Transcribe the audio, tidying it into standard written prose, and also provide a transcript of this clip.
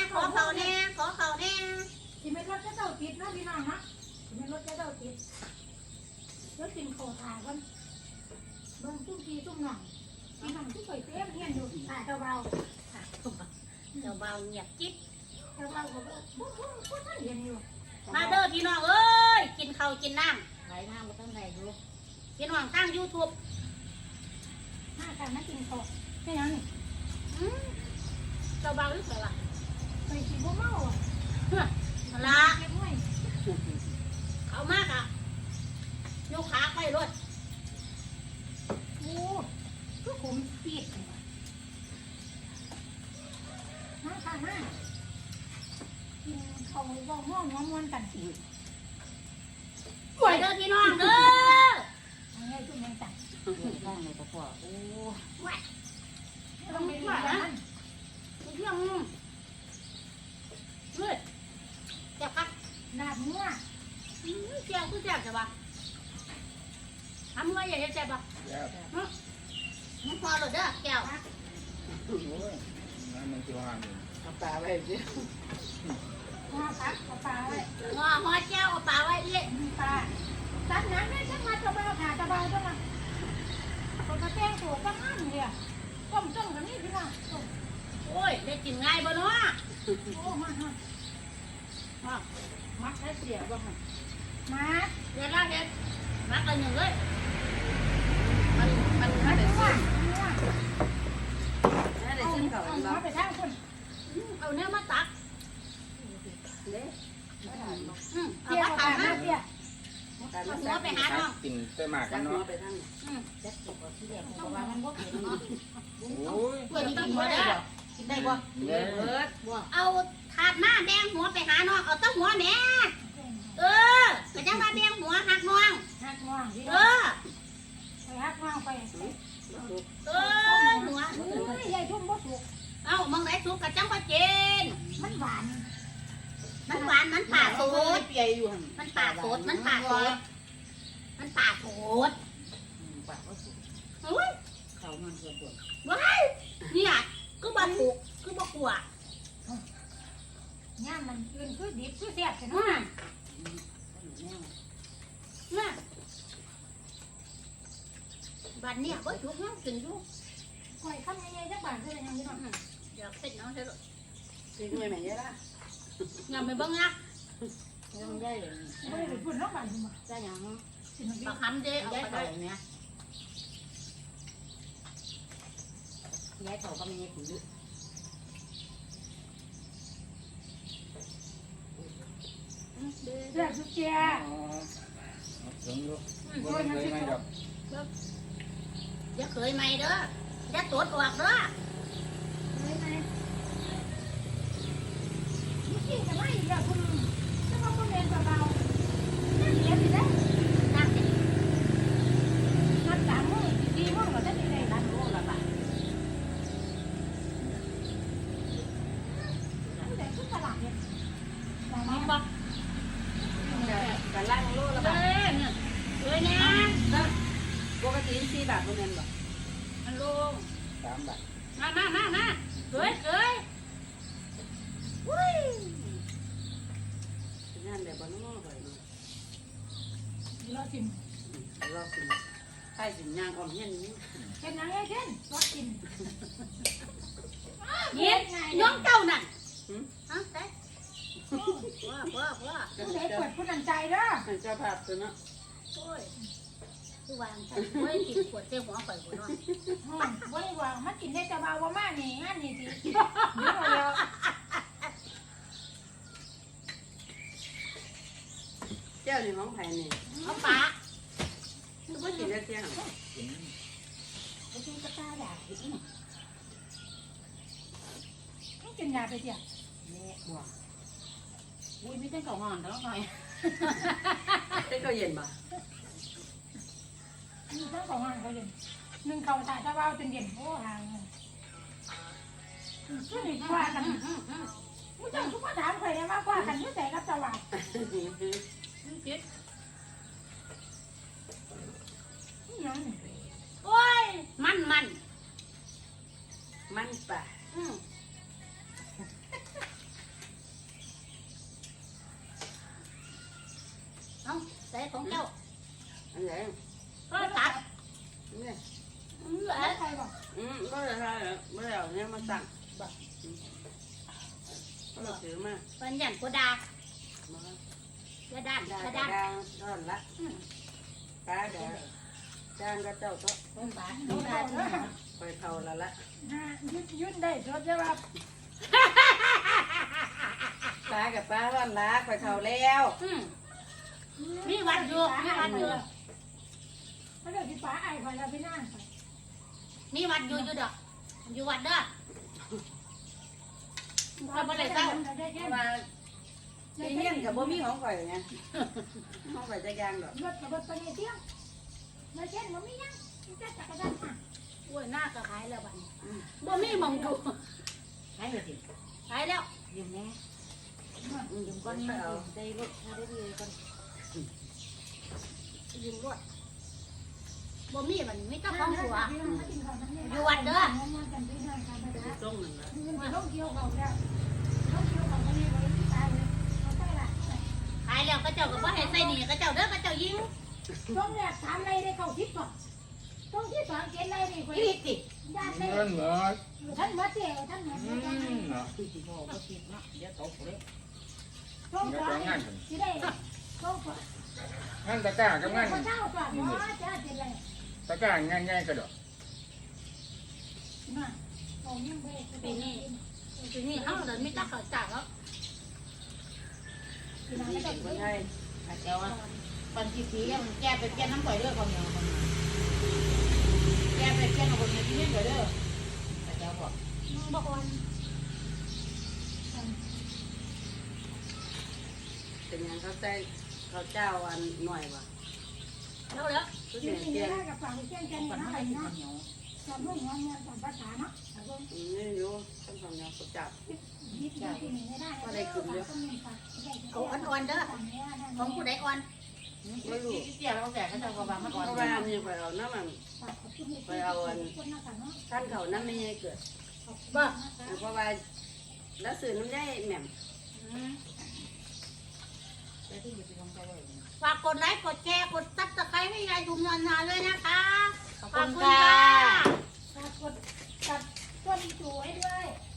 ขอเขาแน่ขอเขาแน่ที่ไม่รถจะเจ้าติดนะพี่น้องนะที่ไม่รถจะเจ้าติดแล้วกินข้าวถ่ายกันเบิ่งตุ้มทีตุ้มหน่องพี่น้องที่เคยเต้มเฮียนอยู่ถ่ายเจ้าเบาเจ้าเบาเงียบจิ๊บเจ้าเบาก็พูดเฮียนอยู่มาเด้อพี่น้องเอ้ยกินข้าวกินน้ไหลน้ำมาตั้งไหนดูำพี่น้องตั้ง YouTube ห้าการมากินข้าวแค่นั้นเจ้าเบาหรือเปล่าล่ะไปกินบ่เมาอ่ะละเก็บไว้เอามากอ่ะยกขาไปรถโอ้ก็ผมปีดห้าค่ะห้ากินข้าวบ่ห้องม้วนกันสิไปเด้อพี่น้องเด้อเอาไงตุ้มยังจังข้างในกระเพาะโอ้ต้องเป็นแบบนั้นเรื่องเฮ้ยเจ็บครับดาบงัวเจ็บคือเจ็บใช่ปะทำเมื่อใหญ่จะเจ็บปะมันพอหรือเด้อแก้วโอ้ยน้ำมันจะวางอยู่เอาปลาไว้สิงัวพักเอาปลาไว้งอหัวแก้วเอาปลาไว้เละปลาตัดน้ำได้ช่างมาจะเบาขาจะเบาจะมาคนกระเต้งถูกก็มั่นเลยต้มกันนี่พี่น้องต้มโอ้ยได้กินง่ายบ่เนาะโอ้มาฮะมัดให้เสียบ้างมาเดี๋ยวละเด็ดมักกันหนึ่งเลยมันมาได้ดูซึ่ว่างได้เอาซึ่งเขาเอาเนาะไปทางคนเอาเนื้อมาตักเด้เอาเตี้ยมาขาตักมานะเตี้ยเอาหัวไปหาน้องกินไปหมากกักัน นเนาะเนาะไปทั้งจักตกที่แรกเพราะว่ามันบ่เห็นเนาะโอ้ยเพื่อนกินหัวได้กินได้บ่เด้อเบิดบ่เอาถาดมาแดงหัวไปหาน้องเอาตั้งหัวแม่เออก็จังว่าแดงหัวหักน้องหักง่วงพี่เอน้องอไปหักง่วงไปเออหัวอุ้ยยายทุ่มบ่สุกเอามองไหนสุกกะจังว่าเจนมันหวานมันหวานมันป่าโสดเปียอยู่หั่นมันป่าโสดมันป่าโสดมันป่าโสดปากก็สุกอุ้ยเขามันเกิดตัวว้ายเนี่ยก็บ่ถูกก็บ่กลัวย่ามมันอื่นคือดิบคือเสียบใช่ไหมน่ะบัดเนี่ยบ่ถูกน้องกินอยู่คอยข้ามยังไงจักบาทคือยังพี่น้องอยากเสร็จน้องเสร็จจริงไหมแม่ยายล่ะงามไปเบิ่งนะยังได้เลยไม่ได้ไปพูดน้องบาทมาได้ยังสิมันปลาคำเด้เอายายไปเขาได้เนี่ยยายเขาก็มีผือเสียบสุดเจียอ๋อเอาถึงลูกบ่เคยไม่ดอกอย่าเคยใหม่เด้ออย่าตดออกเด้อเลยไหมนี่กินกันไม่อีกแล้วคุณจะมาคนเรียนเบาๆนั่นเรียนสิได้นั่งสินัด3 มื้อ4 มื้อก็จะได้ได้นัดโลละบาทแต่คือตลาดเนี่ยมองบอกกันล่างโลละเด้บาทอเนี่ยเอ้ยเนี่ยปกติ4 บาทบ่แม่นบ่มันลง 3 บาทมาเอ้ยเอ้ยวุ้ยงานแบบบ่น้อบ่เนาะเรากินรอสิใครสิย่างออมเฮียนนี่เห็นยังไงเช่นเรากินเย็นน้องเจ้านั่นฮะแต่ว่าผู้ใดเปิดผู้นั้นใจเด้อเจ้าภาพตัวเนาะโอ้ยคือวางใส่โอ้ยกินขวดเจ้าหัวข่อยหัวน้อยบ่ได้ว่ามันกินได้แต่เบาบ่มากนี่งานนี่สิเดี๋ยวเราเจ้านี่ของไผนี่เอาปากคือบ่กินได้เที่ยงกินไปกินกระตาด่าอีกต้องกินยาไปเถอะแม่บ่อุ้ยมีแต่ข้าวหอนแล้วหน่อยแต่ก็เย็นบ่มีทั้งสองอันเขาเย็นหนึ่งเขาถ่ายตะเบาจนเย็นโอ้ห่างเลยช่วยกว่ากันมึงจังทุกคนถามใครได้ว่ากว่ากันยุ่งแต่กับตะวันคิดยังโอ้ยมันมันป่ะอืมเจ้าอันไหนก็ตัดเนี่ยแล้วใครบอกก็เลยใช่ไม่ได้เอาเนี่ยมาสั่งก็เราถือมาเป็นอย่างกูดามากระดานได้กระกระดานดางร้อนละป้าเดี๋ยวจ้างก็เจ้าก็เป็นบาทดูได้เด้อไปเท่าละละยืนได้รถใช่ป่ะป้ากับป้าร้อนละไปเท่าแล้วมีวัดอยู่มีวัดอยู่เขาเดี๋ยวพี่ป๋าไอ้ไปแล้วพี่นั่งไปมีวัดอยู่อยู่ดอกอยู่วัดเด้อได้แค่มาที่เงี้ยกับบ่มีของข่อยไงของข่อยจะยางดอกรถกับรถไปเนี่ยเที่ยงมาเช่นมันไม่ยังจะจักรยานอ่ะโอ้ยหน้าก็หายแล้วบัดนี้บ่มีหมองดูให้เลยสิหายแล้วยืมแน่ยืมก้อนนี้เอาได้รถถ้าได้เลยก้อนยืมรถบ่มีบัดนี้มีเจ้าของหัวต้มหนึ่งละต้องเกี่ยวเขาแล้วต้องเกี่ยวเขาคนนี้เลยตายเลยเขาใช่ละหายแล้วก็เจ้าก็บ่ให้ใส่หนีก็เจ้าเด้อก็เจ้ายิงต้องแรกถามอะไรได้เข้าทิพย์ก่อนต้องที่สองเกณฑ์อะไรนี่คนอีกติญาติเลยเงินเหรอท่านมาเที่ยวท่านมาเนาะคือสิพ่อก็ติดเนาะเดี๋ยวตกเลยต้องสองที่ได้ต้องสองงั้นตะกร้ากับงั้นคนเช่าก่อนว่าจะเป็นอะไรตะกร้าง่ายๆก็ดอกมาผมยังไปปีนี้ปีนี้เฮาเดินมีเจ้าเขาจ่ายแล้วที่ไหนก็คนไทยอาจจะว่าปันทีสีมันแก้ไปเปลี่ยนน้ำปล่อยเด้อคนเดียวคนแก้ไปเปลี่ยนเอาคนเดียวที่นี่ปล่อยเด้ออาจจะบอกบอกวันเป็นยังเขาใจเขาเจ้าอันหน่อยว่ะแล้วแล้วก็ยืเสีนยยัเตี้ยนกับฝั่งเช่นกันปันนะไม่อะไรได้นะคนเหนียวสอนเรื่องงานสอนภาษาเนาะนี่อยู่ต้องทำแนวเขาจับยึดที่ไม่ได้เอาอ่อนๆเด้อของผู้ใดอ่อนที่เตี้ยเราแก่เขาจะกระบามันอ่อนเพราะว่ามีไปเอาน้ำมันท่านเขาน้ำไม่ให้เกิดบ่เพราะว่าแล้วสื่อน้ำได้แหม่มแต่ที่อยู่ที่ตรงใจเลยฝากกดไลค์กดแชร์กดซับสไครต์ให้ยายดุมนานๆเลยนะคะขอบขอคุบณคุณค่ะค่ะกดตัดต้นสวยด้วยข